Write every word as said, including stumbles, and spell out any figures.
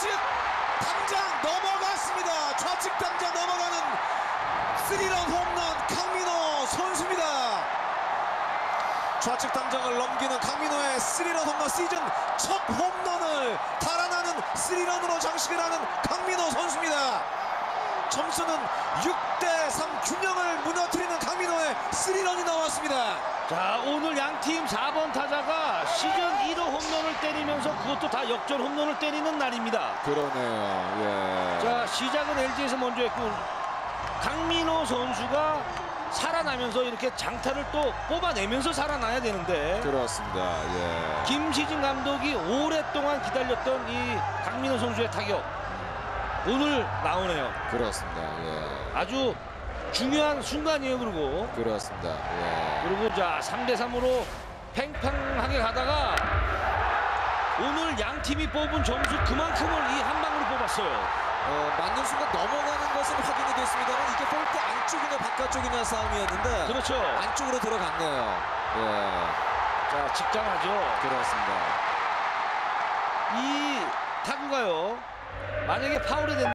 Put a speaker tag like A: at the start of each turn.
A: 좌측 당장 넘어갔습니다. 좌측 당장 넘어가는 스리런 홈런 강민호 선수입니다. 좌측 당장을 넘기는 강민호의 스리런 홈런, 시즌 첫 홈런을 달아나는 스리런으로 장식을 하는 강민호 선수입니다. 점수는 육 대 삼, 균형을 무너뜨리는 강민호의 스리런이 나왔습니다.
B: 자, 오늘 양팀 사 번 타자가 시즌 일 호 홈런을 때리면서 그것도 다 역전 홈런을 때리는 날입니다.
A: 그러네요. 예.
B: 자, 시작은 엘지에서 먼저 했고 강민호 선수가 살아나면서 이렇게 장타를 또 뽑아내면서 살아나야 되는데,
A: 그렇습니다. 예.
B: 김시진 감독이 오랫동안 기다렸던 이 강민호 선수의 타격 오늘 나오네요.
A: 그렇습니다. 예.
B: 아주 중요한 순간이에요. 그리고
A: 그렇습니다. 예.
B: 그리고 자, 삼 대 삼으로 팽팽하게 가다가 오늘 양 팀이 뽑은 점수 그만큼을 이 한 방으로 뽑았어요.
A: 어, 맞는 순간 넘어가는 것은 확인이 됐습니다만 이게 볼트 안쪽이냐 바깥쪽이냐 싸움이었는데,
B: 그렇죠.
A: 안쪽으로 들어갔네요. 예.
B: 자, 직장하죠.
A: 그렇습니다.
B: 이 타구가요, 만약에 파울이 된다